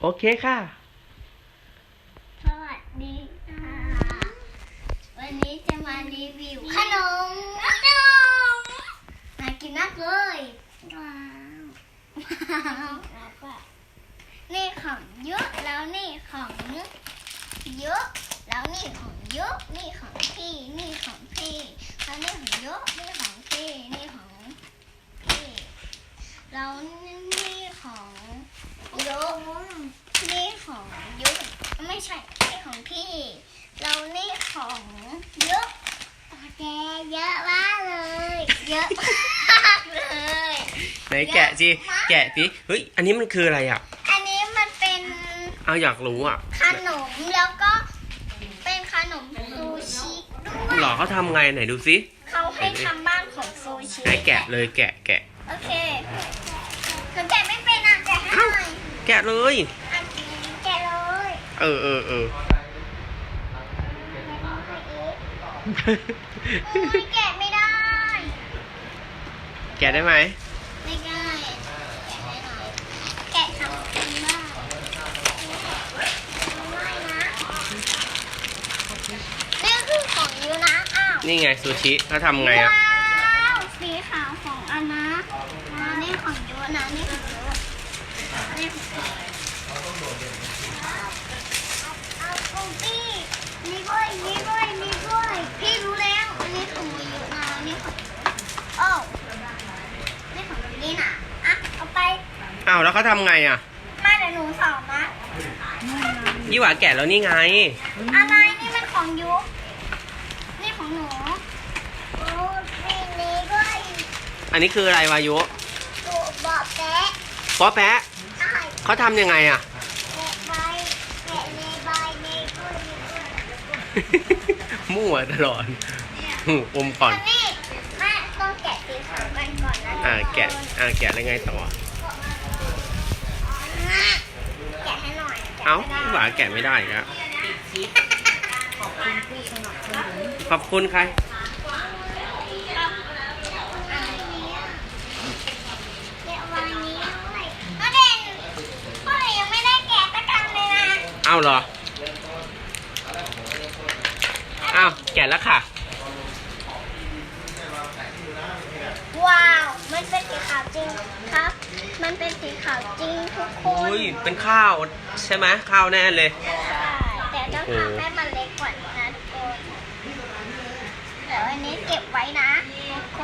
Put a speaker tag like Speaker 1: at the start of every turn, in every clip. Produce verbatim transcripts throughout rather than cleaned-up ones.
Speaker 1: โอเคค่ะ
Speaker 2: สวัสดีค่ะวันนี้จะมารีวิวขนมขนมน่ากินมากเลยว้าวนี่ของเยอะแล้วนี่ของเยอะแล้วนี่ของเยอะนี่ของพี่นี่ของพี่แล้วนี่ของเยอะนี่ของพี่นี่ของพี่แล้วนี่ของเยอะนี่ของเยอะไม่ใช่นี่ของพี่เรานี่ของเยอะแกเยอะมากเลยเยอะมากเลย
Speaker 1: ไหนแกะสิแกะสิเฮ้ยอันนี้มันคืออะไรอ่ะ
Speaker 2: อันนี้มันเป็น
Speaker 1: เอาอยากรู้อ่ะ
Speaker 2: ขนมแล้วก็เป็นขนมซูชิด้วย
Speaker 1: หรอเขาทำไงไหนดูสิ
Speaker 2: เขาให้ทำบ้านของซูชิ
Speaker 1: ไหนแกะเลยแกะแกะ
Speaker 2: โอเคหนูแกะไม่เป็นอ่ะแกะให้หน่อย
Speaker 1: แกะเลย
Speaker 2: อ่ะแกะเลย
Speaker 1: เออเออเออ
Speaker 2: อุ๊ยแกะไม่ได้
Speaker 1: แกะได้ไหม
Speaker 2: ไม่ได้แกะไม่ได้แกะทำเป็นบ้างไม่นะนี่คือของยูนะอ้าว
Speaker 1: นี่ไงซูชิเขาทำไงอ่ะ
Speaker 2: ว้าวสีขาวของอันนะอ่านี่ของยูนะนี่ของยูนี่ของเอาของพี่นี่ด้วยนี่ด้วยนี่ด้วยพี่รู้แล้วอันนี้ของยูนะนี่ของโอ้นี่ของนี่นะอ่ะเอาไป
Speaker 1: อ้าวแล้วเขาทำไงอ่ะ
Speaker 2: มาเดี๋ยวหนูสอนนะ
Speaker 1: ยี่หว่าแกะแล้วนี่ไง
Speaker 2: อะไรนี่มันของยูนี่ของหนูโอ้นี่นี่ด้วย
Speaker 1: อันนี้คืออะไรวายุ
Speaker 2: ตัวบอกแกะ
Speaker 1: ป๊อแปะ
Speaker 2: ใช่
Speaker 1: เขาทำยังไงอ่ะ
Speaker 2: แกะใบแกะในใบในกล้วยในกล้วย
Speaker 1: มั่วตลอดอมก่อน
Speaker 2: อันนี้แม่ต้องแกะสีขาวกันก่อนนะ
Speaker 1: อ่าแกะอ่าแกะแล้วไงต่อ
Speaker 2: แกะให้หน่อยแกะ
Speaker 1: เอ้า
Speaker 2: ไม่ได้
Speaker 1: ยี่หว่าแกะไม่ได้อีกแล้วขอบคุณใคร
Speaker 2: อันนี้อะแกะวางนี้ด้วยพ่อเด่นพ่อเด่นยังไม่ได้แกะสักอันเลยนะ
Speaker 1: เอ้าเหรอเอ้าแกะแล้วค่ะ
Speaker 2: ว้าว มันเป็นสีขาวจริงครับ มันเป็นสีขาวจริงทุกคน
Speaker 1: อุ้ยเป็นข้าวใช่ไหมข้าวแน่เลย
Speaker 2: ใช่แต่ต้องทำให้มันเล็กกว่านี้นะทุกคนเดี๋ยวอันนี้เก็บไว้นะทุกคน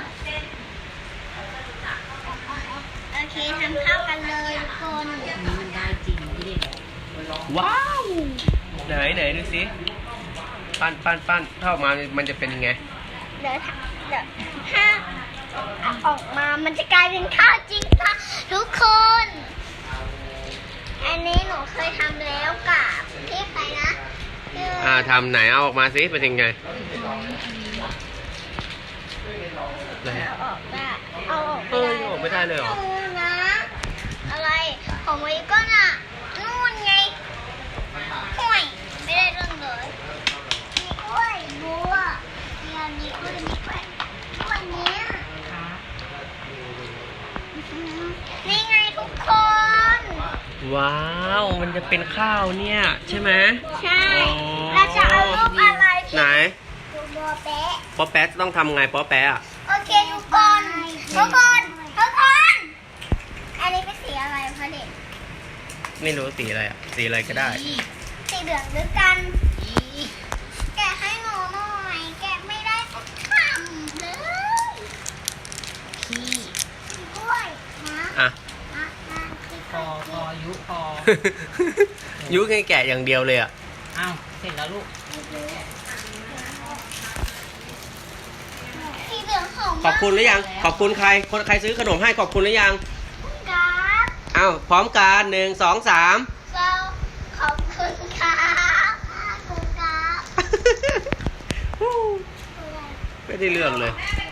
Speaker 2: โอเคทำข้าวกันเลยทุกคน
Speaker 3: มันได้จริงนี่เด็ก
Speaker 1: ว้าวไหนไหนดูสิปั้นปั้นปั้นถ้าออกมามันจะเป็นยังไง
Speaker 2: เดี๋ยวถ้าเดี๋ยวถ้าเอาออกมามันจะกลายเป็นข้าวจริงค่ะทุกคน อันนี้หนูเคยทำแล้วกับพี่ใครนะชื่
Speaker 1: อ่าทำไหนเอาออกมาสิเป็นยังไงไหน
Speaker 2: เอาออกได้เอาออก
Speaker 1: เออยังออกไม่ได้เลยเหรอ
Speaker 2: ดูนะ อะไรของวิก็น่ะนู่นไงห่วยไม่ได้เรื่องเลยมีกล้วยบัวมีอันนี้กล้วยมีกล้วยกล้วยเนี้ยนี่ไงทุกคน
Speaker 1: ว้าวมันจะเป็นข้าวเนี่ยใช่ไหม
Speaker 2: ใช่เราจะเอารูปอะไร
Speaker 1: ไหน
Speaker 2: ดูบัวแปะ
Speaker 1: ป๊อแป๊ะต้องทำไงป๊อแป๊ะอะ
Speaker 2: โอเคทุกคนทุกคนทุกคนอันนี้เป็นสีอะไรคะเด็ก
Speaker 1: ไม่รู้สีอะไรอะสีอะไรก็ได้
Speaker 2: สีเหลืองด้วยกัน แกะให้หนูหน่อย แกะไม่ได้สักคำเลย
Speaker 3: พี่
Speaker 2: กล้วยนะ
Speaker 1: อ่ะ
Speaker 2: นะนะคือ
Speaker 3: พอพอยุพอ
Speaker 1: ยุแค่แกะอย่างเดียวเลยอะ
Speaker 3: อ้าวเสร็จแล้วลูก
Speaker 2: สีเหลืองหอม
Speaker 1: ขอบคุณหรือยัง ขอบคุณใคร คนใครซื้อขนมให้ขอบคุณหรือยัง
Speaker 2: ครับ
Speaker 1: อ้าวพร้อมกันหนึ่งสองสาม
Speaker 2: เราขอบคุณครับขอบคุณครับ
Speaker 1: ไม่ได้เรื่องเลย